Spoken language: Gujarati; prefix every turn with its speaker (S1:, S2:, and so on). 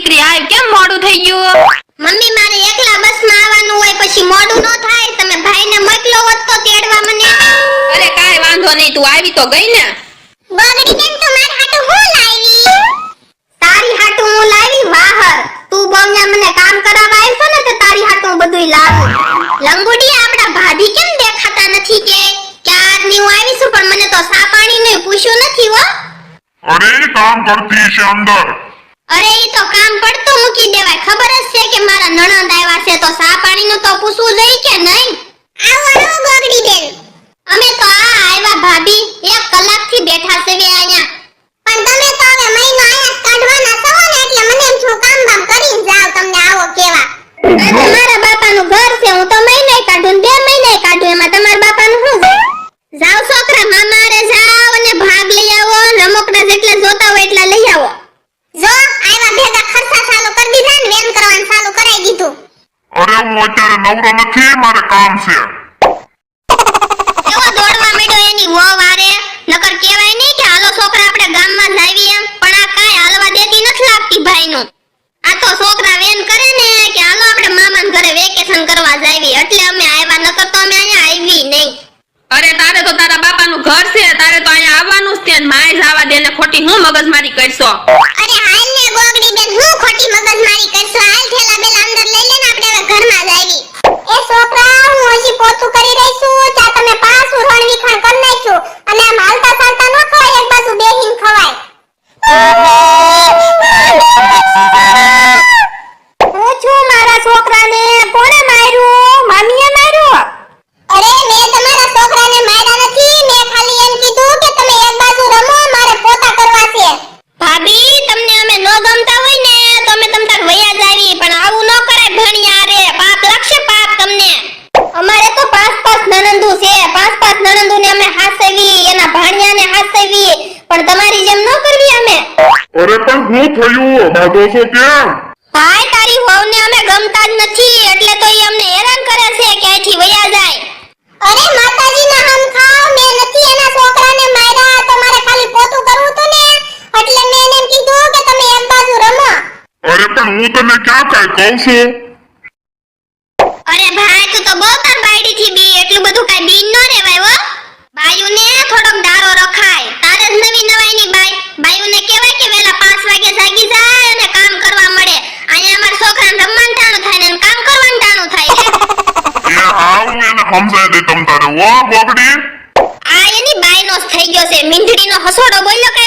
S1: દીકરી આવ, કેમ મોડું થઈ ગયું?
S2: મમ્મી મારે એકલા બસમાં આવવાનું હોય, પછી મોડું ન થાય. તમે ભાઈને મોકલો હોત તો તેડવા મને.
S1: અરે કાઈ વાંધો નહીં, તું આવી તો ગઈ ને.
S2: ગોગડી બેન તો મારા હાટુ હું લાવી? તારી હાટુ હું લાવી વાહર. તું બોમ્યા મને કામ કરાવવા આવ્યો ને તો તારી હાટુ હું બધુંય લાવું. લંગુડી આપડા ભાભી કેમ દેખાતા નથી કે ક્યારની હું આવી છું, પણ મને તો સા પાણીનું પૂછ્યું નથી હો.
S3: અરે કામ કરતી છે અંદર.
S2: અરે ઈ તો કામ પડતું મૂકી દેવાય. ખબર જ છે કે મારા નણંદ આવ્યા છે તો સા પાણીનું તો પૂછવું જોઈએ કે નહીં? આવો આવો ગોગડી બેન. અમે તો આવ્યા ભાભી, 1 કલાકથી બેઠા છે વે અહીંયા. પણ તમે તો હવે મહિનો આયા કાઢવાના છો ને, એટલે મને એમ છું કામ બામ કરીને જાવ, તમને આવો કેવા. આ તમારા બાપાનું ઘર છે, હું તો મહિને કાઢું ને 2 મહિને કાઢું, એમાં તમારા બાપાનું શું છે? જાવ છોકરા, મામા રે જાવ અને ભાગ લઈ આવો, રમકડા જેટલા જોતા હોય એટલા લઈ આવો. જો આયવા ભેગા ખર્ચા ચાલુ કરી દીધા ને વેન કરવાનું ચાલુ કરાઈ દીધું.
S3: અરે હું અત્યારે નવરો નથી, મારે કામ છે.
S2: કેવો દોડવા માંડ્યો એની વહુ વારે. નકર કહેવાય નહીં કે હાલો છોકરા આપણે ગામમાં જાવી એમ, પણ આ કાઈ હાલવા દેતી નથી લાગતી ભાઈનું. આ તો છોકરા વેન કરે ને કે હાલો આપણે મામાના ઘરે વેકેશન કરવા જાવી, એટલે અમે આવ્યા, નકર તો અમે અહીંયા આવી નહીં.
S1: અરે તારે તો તારા બાપાનું ઘર છે, તારે તો અહીંયા આવવાનું જ છે ને માય જવા દે ને, ખોટી હું મગજમારી કરશો?
S2: અરે હાલ ને ગોગડી બેન, હું ખોટી મગજમારી કરશો? હાલ થેલા બેલા અંદર લઈ લે ને, આપણે હવે ઘરમાં જાવી. એ છોકરા, હું હજી પોતું કરી રહી છું, ચા તમે પાછું રણ વિખાણ કરી નાખ્યું, અને આમ હાલતા ચાલતા ન ખવાય, એક બાજુ બેહીને ખવાય. હું છું મારા છોકરાને કોણે માર્યું? મામીએ માર્યું? અરે મેં તમારા છોકરાને માર્યા નથી, મેં ખાલી એમ કીધું કે તમે એક બાજુ રમો, મારે પોતા કરવા છે. ભાભી, તમને અમે નો ગમતા હોય ને તો અમે તમ તાર વયા જાવી, પણ આવું ન કરાય ભણિયા રે, પાપ લાગશે પાપ તમને. અમારે તો 5 નણંદુ છે, 5 નણંદુને અમે હાસવી, એના ભાણિયાને હાસવી, પણ તમારી જેમ ન કરવી અમે.
S3: અરે પણ શું થયું? બાધો છો કેમ?
S2: ભાઈ, તારી વહુને અમે ગમતા જ નથી, એટલે તો ઈ અમને હેરાન કરે છે કે અહીંથી વયા જાય. અરે માતાજીના હમ ખાવ, મેં નથી એના છોકરાને માર્યા, તો મારે ખાલી પોતું કરવું હતું ને, એટલે મેં એને એમ કીધું કે તમે એક બાજુ રમો.
S3: અરે પણ હું તને ક્યાં કાઈ કહું છું?
S2: અરે ભાઈ, તું તો બહુ તાર બાયડી થી બી, એટલું બધું કાઈ બીન ન રેવાય હો. બાયુને થોડોક દારો રખાય, તારે જ નવી નવાઈની બાયુને કહેવાય કે વેલા 5 વાગે જાગી જાય અને કામ કરવા મળે. અહીંયા અમાર છોકરાને રમવાનું ટાણું થાય ને કામ કરવાનું ટાણું થાય.
S3: એ આવું એને સમજાય દે તમ તારે. ઓ ગોગડી,
S2: આ એની બાયનો જ થઈ ગયો છે, મીંઢડીનો હસોડો બોલ્યો કે